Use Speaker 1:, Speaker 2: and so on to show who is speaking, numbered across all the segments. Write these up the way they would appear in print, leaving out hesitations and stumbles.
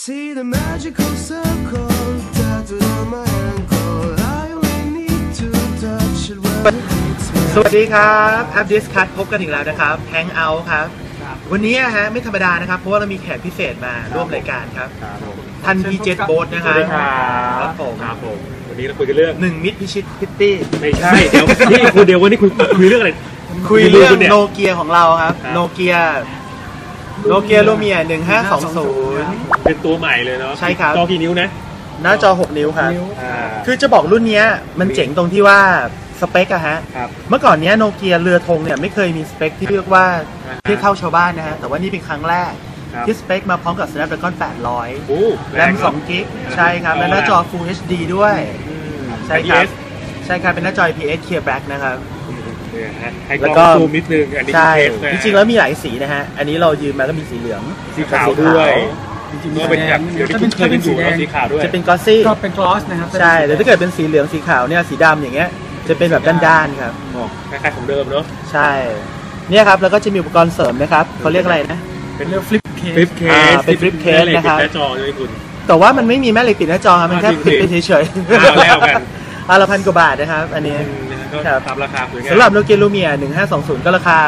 Speaker 1: See the magical circle tattooed on my ankle. I only need to touch it when it hits me.
Speaker 2: สวัสดีครับแอป Discuss พบกันอีกแล้วนะครับ Hangout ครับวันนี้ฮะไม่ธรรมดานะครับเพราะว่าเรามีแขกพิเศษมาร่วมรายการครับท่านพีเจตโบ๊ทนะครับครับผม
Speaker 3: วันนี้เราคุยกันเรื่อง
Speaker 2: หนึ่งมิตรพิชิตพิตตี้
Speaker 3: ไม่ใช่เดี๋ยวนี่คุณเดียววันนี้คุยเรื่องอะไร
Speaker 2: คุยเรื่องโนเกียของเราครับโนเกียลูเมีย1520
Speaker 3: เป็นตัวใหม่เลยเนาะ
Speaker 2: ใช่ครับ
Speaker 3: จอกี่นิ้วนะ
Speaker 2: หน้าจอ6นิ้วครับคือจะบอกรุ่นนี้มันเจ๋งตรงที่ว่าสเปคอะฮะเมื่อก่อนนี้โนเกียเรือธงเนี่ยไม่เคยมีสเปคที่เรียกว่าเทียบเท่าชาวบ้านนะฮะแต่ว่านี่เป็นครั้งแรกที่สเปคมาพร้อมกับ Snapdragon 800แรม2 กิกใช่ครับและหน้าจอ Full HD ด้วยใช่ครับเป็นหน้าจอ IPS Clear Black นะครับ
Speaker 3: แล้วก็ซูมนิดนึงอันนี้
Speaker 2: ใช่จริงๆแล้วมีหลายสีนะฮะอันนี้เรายืมมาก็มีสีเหลือง
Speaker 3: สีขาวด้วยจริงๆก็เป็นแบบเดี๋ยวที่เคยเป็นสีขาวด้วย
Speaker 2: จะเป็นกลอสซี่
Speaker 4: ก็เป็นกลอสนะครับ
Speaker 2: ใช่แต่ถ้าเกิดเป็นสีเหลืองสีขาวเนี่ยสีดำอย่างเงี้ยจะเป็นแบบด้านๆครับ
Speaker 3: คล้ายๆของเดิมเนาะ
Speaker 2: ใช่เนี่ยครับแล้วก็จะมีอุปกรณ์เสริมนะครับเขาเรียกอะไรนะ
Speaker 4: เป็นเรื่องฟลิปเคส
Speaker 2: เป็นฟลิปเคสนะครับ
Speaker 3: หน้าจอด้วยคุณ
Speaker 2: แต่ว่ามันไม่มีแม่เหล็กปิดหน้าจอครับมันแค่ปิดไปเฉย
Speaker 3: ๆแล้วกัน
Speaker 2: ละ1,000 กว่าบาทนะครับอันนี้
Speaker 3: ตามราคา
Speaker 2: สำหรับโนเกียลูเมีย1520ก็ราคา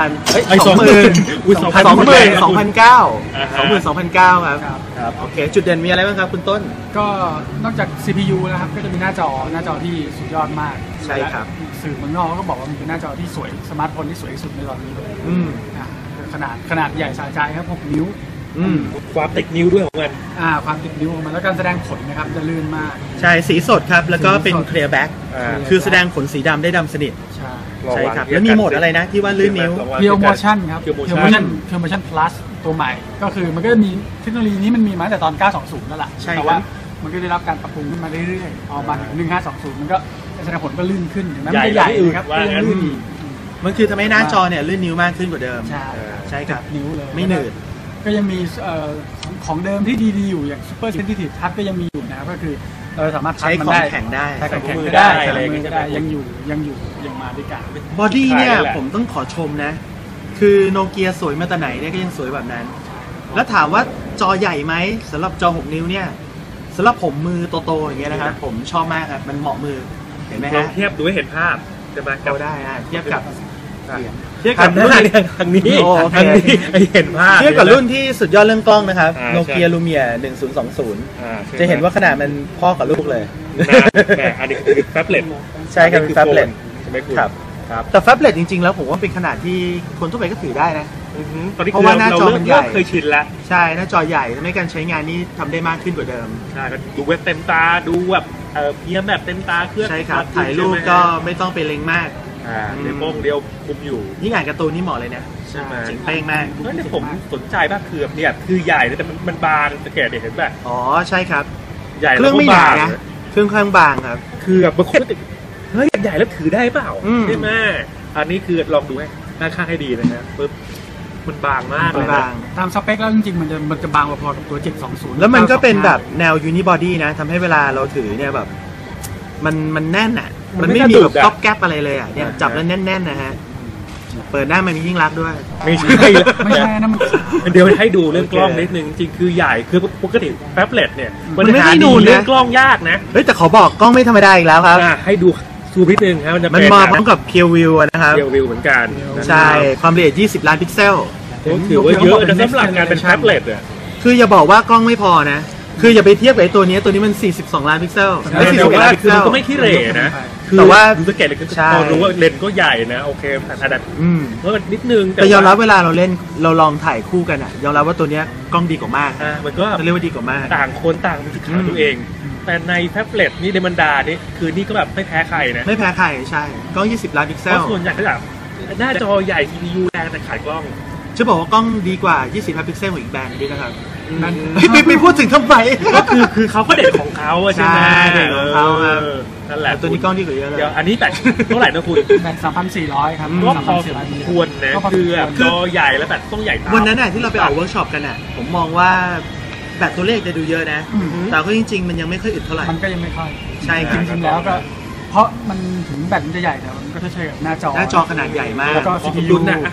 Speaker 2: 22,900 ครับโอเคจุดเด่นมีอะไรบ้างครับคุณต้น
Speaker 4: ก็นอกจาก CPU นะครับก็จะมีหน้าจอที่สุดยอดมาก
Speaker 2: ใช่ครับ
Speaker 4: สื่อเมืองนอกก็บอกว่ามันเป็นหน้าจอที่สวยสมาร์ทโฟนที่สวยที่สุดในตอนนี้เลยขนาดใหญ่สะใจครับ6 นิ้ว
Speaker 3: ความติดนิ้วด้วยของมัน
Speaker 4: ความติดนิ้วของมันแล้วการแสดงผลนะครับจะลื่นมาก
Speaker 2: ใช่สีสดครับแล้วก็เป็น clear back คือแสดงผลสีดำได้ดำสนิทใช่ครับแล้วมีโหมดอะไรนะที่ว่าลื่นนิ้ว
Speaker 4: Pure Motion ครับ Pure Motion Plus ตัวใหม่ก็คือมันก็มีเทคโนโลยีนี้มันมีมาตั้งแต่ตอน920นั่นแหละแต่ว่ามันก็ได้รับการปรับปรุงขึ้นมาเรื่อยๆเอามาถึง1520มันก็แสดงผลก็ลื่นขึ้นถึงแม้มันจะใหญ่ครับก็ยังลื่นอีก
Speaker 2: มันคือทำให้หน้าจอเนี่ยลื่นนิ้วมากขึ้นกว่าเดิมใช่ครับ
Speaker 4: นิ้วเลย
Speaker 2: ไม่หนืด
Speaker 4: ก็ยังมีของเดิมที่ดีๆอยู่อย่าง Super Sensitive Touch ก็ยังมีอยู่นะก็คือเราสามารถ
Speaker 2: ใช้ของแข็งได้
Speaker 4: ใช้ของแข็งได้อะไรก็ได้ยังมาด้วยกัน
Speaker 2: บอดี้เนี่ยผมต้องขอชมนะคือโนเกียสวยมาแต่ไหนเนี่ยก็ยังสวยแบบนั้นแล้วถามว่าจอใหญ่ไหมสำหรับจอ6 นิ้วเนี่ยสำหรับผมมือโตๆอย่างเงี้ยนะครับผมชอบมากครับมันเหมาะมือเห็นไหมฮะ
Speaker 3: เทียบดูให้เห็นภาพจะมา
Speaker 2: เอาได้เทียบกับ
Speaker 3: รุ่นทางนี้เห็นภาพ
Speaker 2: เทียบกับรุ่นที่สุดยอดเรื่องกล้องนะครับโนเกียลูเมีย1020จะเห็นว่าขนาดมันพ่อกับลูกเลย
Speaker 3: อันนี้คือแฟบเล็ต
Speaker 2: ใช่ครับแฟบเล็ต
Speaker 3: ใช่ไหมคุณ
Speaker 2: ครับแต่แฟบเล็ตจริงๆแล้วผมว่าเป็นขนาดที่คนทั่วไปก็ถือได้นะ
Speaker 3: เพราะว่าหน้าจอมันใหญ่เคยชินแล้ว
Speaker 2: ใช่หน้าจอใหญ่ทำให้การใช้งานนี้ทำได้มากขึ้นกว่าเดิม
Speaker 3: ใช่ดูเว็บเต็มตาดูแบบเพียงแบบเต็มตาเครื่อง
Speaker 2: ใช่ครับถ่ายรูปก็ไม่ต้องไปเล็งมาก
Speaker 3: เดี๋ยวโป้งเดียวคุมอยู่
Speaker 2: ยิ่งอ่านการ์ตูนนี่เหมาะเลยนะ
Speaker 3: ใช่ไหม
Speaker 2: จริงเป้งมาก
Speaker 3: เนี่ยผมสนใจมากคือเนี่ยคือใหญ่แต่มันบางสังเกตเห็นแบบ
Speaker 2: อ๋อใช่ครับ
Speaker 3: ใหญ่
Speaker 2: เครื่องไม่หนานะเครื่องข้างบางครับ
Speaker 3: คือแบบบางคนเฮ้ยใหญ่แล้วถือได้เปล่าใช่ไหมอันนี้คือลองดูให้หน้าข้างให้ดีนะปึ๊บมันบางมากเลยนะ
Speaker 4: ตามสเปคแล้วจริงๆมันจะบางพอๆกับตัว720
Speaker 2: แล้วมันก็เป็นแบบแนวยูนิบอดี้นะทำให้เวลาเราถือเนี่ยแบบมันแน่นอ่ะมันไม่มีแบบก๊อบแก๊บอะไรเลยอ่ะเนี่ยจับแล้วแน่นๆนะฮะเปิดหน้ามันมียิ่งรักด้วย
Speaker 3: ไม่ใช่นะมันเดี๋ยวให้ดูเรื่องกล้องนิดนึงจริงคือใหญ่คือปกติแท็บเล็ตเนี่ยมันไม่ให้ดูเรื่องกล้องยากนะ
Speaker 2: เฮ้ยแต่ขอบอกกล้องไม่ธรรมดาอีกแล้วครับ
Speaker 3: ให้ดูซูมนิดนึงครับ
Speaker 2: มันมาพร้อมกับเพียววิวนะครับ
Speaker 3: เพียววิวเหมือนกัน
Speaker 2: ใช่ความละเอียด20 ล้านพิกเซล
Speaker 3: ถือว่าเยอะนะสำหรับการเป็นแท็บเล็ตอ่ะ
Speaker 2: คืออย่าบอกว่ากล้องไม่พอนะคืออย่าไปเทียบกับตัวนี้มัน42 ล้านพิกเซล
Speaker 3: ไม่41 ล้านพิกเซลก็ไม่ขี้เหร่นะ
Speaker 2: แต่ว่า
Speaker 3: ดูสเกลเลยก็พอรู้ว่าเลนส์ก็ใหญ่นะโอเคแต่ก็นิดนึง
Speaker 2: แต่ยอมรับเวลาเราเล่นเราลองถ่ายคู่กันอ่ะยอมรับว่าตัวนี้กล้องดีกว่ามาก
Speaker 3: มันก็
Speaker 2: เรียกว่าดีกว่ามาก
Speaker 3: ต่างคนต่างมีจุดขายตัวเองแต่ในแท็บเล็ตนี่ในบรรดานี่คือนี่ก็แบบไม่แพ้ใครนะ
Speaker 2: ไม่แพ้ใครใช่กล้อง20 ล้านพิกเซล
Speaker 3: ส่วนใหญ่ก็แบบหน้าจอใหญ่ CPU แรงแต่ขายกล้อง
Speaker 2: จะบอกว่ากล้องดีกว่า20 ล้านพิกเซลของอีกแบรนด์ด้วยนะครับไปพูดถึงทำไม
Speaker 3: ก็คือเขาก็เด็ดของเขาใช่ไหม
Speaker 2: เด็ดของเขาครับ
Speaker 3: นั่นแหละ
Speaker 2: ตัวนี้กล้องดีกว่าเยอะเลย
Speaker 3: เดี๋ยวอันนี้แต่เท่าไหร่นะคุณ
Speaker 4: แบต3,400ครับ
Speaker 3: ก็พอควรนะคือจอใหญ่แล้วแบตต้องใหญ่ตาม
Speaker 2: วันนั้นน่ะที่เราไปออกเวิร์กช็อปกันน่ะผมมองว่าแบตตัวเลขจะดูเยอะนะแต่ก็จริงๆมันยังไม่ค่อยอึดเท่าไหร่
Speaker 4: มันก็ยังไม่ค่อย
Speaker 2: ใช่
Speaker 4: จริงๆแล้วก็เพราะมันถึงแบตมันจะใหญ่แต่มันก็จะใช้กับหน้าจอ
Speaker 2: ขนาดใหญ่มาก
Speaker 4: แล้วก็ CPU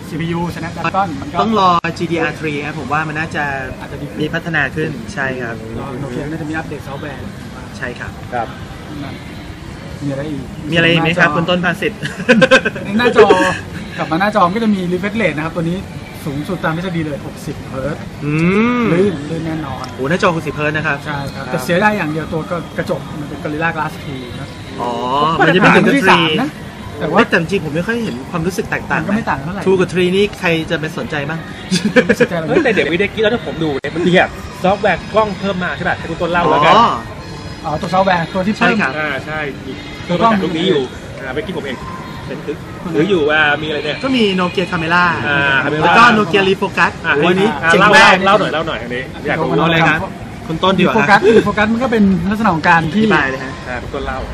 Speaker 4: CPU Snapdragon มันก็
Speaker 2: ต้องรอ GDR3 ครับผมว่ามันน่าจะ
Speaker 4: อาจจะดีขึ้น
Speaker 2: มีพัฒนาขึ้นใช่ครับ
Speaker 4: โนเกียน่าจะมีอัปเดตซอฟต์แวร์
Speaker 2: ใช่ครับ
Speaker 3: ครับ
Speaker 4: มีอะไรอีก
Speaker 2: มีอะไรอีกไหมครับคุณต้นภาสิทธิ์
Speaker 4: ในหน้าจอกลับมาหน้าจอก็จะมี refresh rate นะครับตัวนี้สูงสุดตามทฤษฎีเลย60 เฮิร์ตซ์ ลื่นแน่นอน
Speaker 2: โอ้หน้าจอ60 เฮิร์ตซ์นะครับ
Speaker 4: ใช่ครับแต่เสียได้อย่างเดียวตัวก็กระจกมันเป็น Gorilla Glass 2นะ
Speaker 2: อ๋อมันจะไม่ถึงกับ
Speaker 4: ที่
Speaker 2: 3
Speaker 4: 3นะแต่ว่า
Speaker 2: แต่จริงผมไม่ค่อยเห็นความรู้สึกแตกต่าง
Speaker 4: มันก็ไม่ต่างเท่าไหร่
Speaker 2: 2 กับ 3 นี่ใครจะไปสนใจบ้าง
Speaker 4: ไม่สนใจอะไร
Speaker 3: เฮ้ยแต่เดี๋ยววิดีโอกี้แล้วถ้าผมดูเนี่ยมันมีแบบซอฟต์แวร์กล้องเพิ่มมาใช่ป่ะให้คุณต้นเล่าแล้วกัน
Speaker 4: อ๋อตัวซอฟต์แวร์ตัวที่
Speaker 2: ใช่
Speaker 4: เพิ่ม
Speaker 2: ครับ
Speaker 3: ใช่มี
Speaker 4: ตัวกล้อง
Speaker 3: ตรงนี้อยู่เมื่อกี้ผมเองเป็นหรืออยู่ว่ามีอะไรเนี่ย
Speaker 2: ก็มีโนเกียคาเมล่า
Speaker 3: Camera
Speaker 2: แล้วก็โนเกียรีโฟกัส
Speaker 3: วัน
Speaker 2: นี้
Speaker 3: นี้
Speaker 2: เจ๋ง
Speaker 3: เล่าม
Speaker 2: าก
Speaker 3: เล่าหน่อยอันนี้อยากรู้
Speaker 2: เอาเลยครับ คุณต้นดีกว่า
Speaker 4: โฟกัสโฟกัสมันก็เป็นลักษณะของการ
Speaker 2: อ
Speaker 4: ที่
Speaker 2: ธิบายเลยฮะ
Speaker 3: คุณต้นเล่า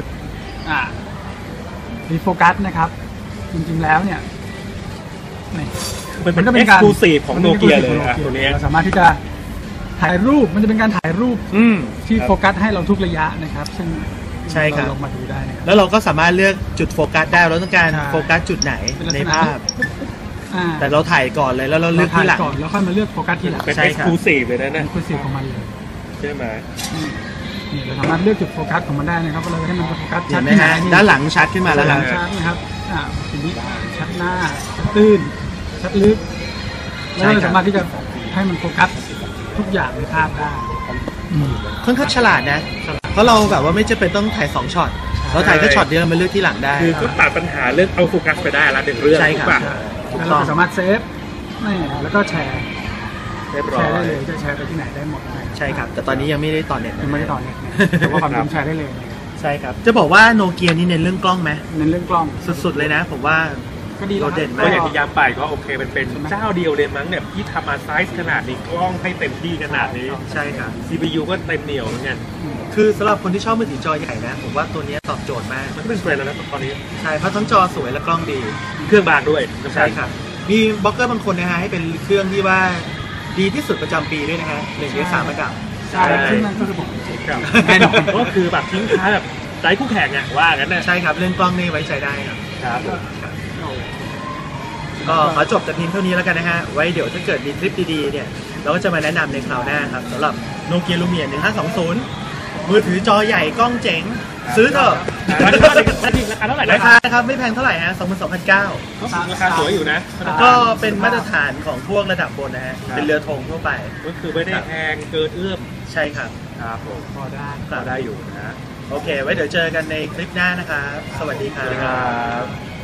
Speaker 4: รีโฟกัสนะครับจริงๆแล้วเนี่ยนี่
Speaker 3: มันก็เป็น exclusive ของโนเกียเลยตัวนี้
Speaker 4: เราสามารถที่จะถ่ายรูปมันจะเป็นการถ่ายรูป ที่
Speaker 3: ครับ
Speaker 4: โฟกัสให้เราทุกระยะนะครับ ซึ่ง
Speaker 2: ใช่ครับ
Speaker 4: เาลองมาดูได้นะครับ
Speaker 2: แล้วเราก็สามารถเลือกจุดโฟกัสได้เราต้องการ
Speaker 4: ใช่
Speaker 2: โฟกัสจุดไหน
Speaker 4: เป็นลักษณะ
Speaker 2: ในภาพ
Speaker 4: อ่า
Speaker 2: แต่เราถ่ายก่อนเลยแล้วเราเลือก
Speaker 4: ถ่า
Speaker 2: ที่
Speaker 4: ย
Speaker 2: หลัง
Speaker 4: ก่อนแล้วค่อยมาเลือกโฟกัสทีหลัง
Speaker 3: เป็น
Speaker 2: ใช่ครับ
Speaker 3: exclusive เลยนะเนี่ย
Speaker 4: คือสิ่งของมันเลย
Speaker 3: ใช่ไหม
Speaker 4: นี่เราสามารถเลือกจุดโฟกัสของมันได้นะครับว่าเราจะให้มันโฟกัส
Speaker 2: เห็
Speaker 4: ชัด
Speaker 2: นไหม
Speaker 4: ที่ไหน
Speaker 2: ฮะด้านหลังชัดขึ้นมาแล้วครับ
Speaker 4: ชัดนะครับทีนี้ชัดหน้าชัดตื้นชัดลึกแล้วเราสามารถที่จะให้มันโฟกัสทุกอย่างในภาพได้อืม
Speaker 2: ค่อนข้างฉลาดนะ เพราะเราแบบว่าไม่จำเป็นต้องถ่าย2ช็อตเราถ่ายแค่ช็อตเดียวมาเลือกที่หลังได้
Speaker 3: คือก็ตัดปัญหาเรื่องเอาโฟกัสไปได้ละหนึ่งเรื่อง
Speaker 2: ใช่ครับ
Speaker 3: ถูกปะ
Speaker 4: แล้วเราก็สามารถเซฟนี่แล้วก็แชร์
Speaker 3: เรียบร้
Speaker 4: แช
Speaker 3: อ
Speaker 4: ร์ได้
Speaker 3: ย
Speaker 4: เลยจะแชร์ไปที่ไหนได้หมดนะครับ
Speaker 2: ใช่ครับ แต่ตอนนี้ยังไม่ได้ต่อเน็ต
Speaker 4: ยังไม่ได้ต่อเนี่ยแต่ว่าความจริงแชร์ได้เลยนะครับ
Speaker 2: ใช่ครับ จะบอกว่าโนเกียนี่เน้นเรื่องกล้องไหม
Speaker 4: เน้นเรื่องกล้อง
Speaker 2: สุดๆเลยนะ ผมว่า
Speaker 4: ก็ดีแล้ว
Speaker 2: โดดเด่น
Speaker 4: ค
Speaker 2: มา
Speaker 3: ก็
Speaker 4: รับ
Speaker 3: อย่างที่ย้ำไปก็โอเคเป็นเจ้าเดียวเลยมั้งเนี่ยที่ทำมาไซส์ขนาดนี้กล้องให้เต็มที่ขนาดนี้
Speaker 2: ใช่ครับ
Speaker 3: CPU ก็เต็มเหนียวเหมือนกัน
Speaker 2: คือสำหรับคนที่ชอบมือถือจอใหญ่นะ ผมว่าตัวนี้ตอบโจทย์มาก
Speaker 3: มันก็เป็นเทรนด์แล้วนะตอนนี้
Speaker 2: ใช่เพราะทั้งจอสวยและกล้องดี
Speaker 3: เครื่องบางด้วย
Speaker 2: ใช่ครับ มีบล็อกเกอร์บางคนนะฮะให้เป็นเครื่องที่ว่าดีที่สุดประจำปีด้วยนะฮะ1 ใน 3ระดับ
Speaker 4: ใช่ซึ่งนั่นก็คือผม
Speaker 3: ครับ
Speaker 4: แน่นอน
Speaker 3: ก็คือแบบทิ้งท้ายแบบไร้คู่แข่งอ่ะว่างั้นนะ
Speaker 2: ใช่ครับเรื่องกล้องนี่ไว้ใจได้ครับ
Speaker 3: ครับผม
Speaker 2: ก็ขอจบแต่เพียงเท่านี้แล้วกันนะฮะ ไว้เดี๋ยวถ้าเกิดมีคลิปดีๆเนี่ยเราก็จะมาแนะนำในคราวหน้าครับสำหรับโนเกียลูเมีย1520 มือถือจอใหญ่กล้องเจ๋ง ซื้อเถอะ
Speaker 3: ราคาเท่าไหร่
Speaker 2: รา
Speaker 3: นะ
Speaker 2: คานะครับไม่แพงเท่าไหร่ฮะ 22,900
Speaker 3: ราคาสวยอยู่นะ
Speaker 2: ก็เป็นมาตรฐานของพวกระดับบนนะฮะ เป็นเรือธงทั่วไป
Speaker 3: ก็คือไม่ได้แพงเกินเอื้อม
Speaker 2: ใช่ครับ
Speaker 3: ครับผม
Speaker 4: พอได้
Speaker 3: ก็ได้อยู่นะ
Speaker 2: โอเค ไว้เดี๋ยวเจอกันในคลิปหน้านะครับ สวัสดีครั
Speaker 3: สวัสดีครับ บ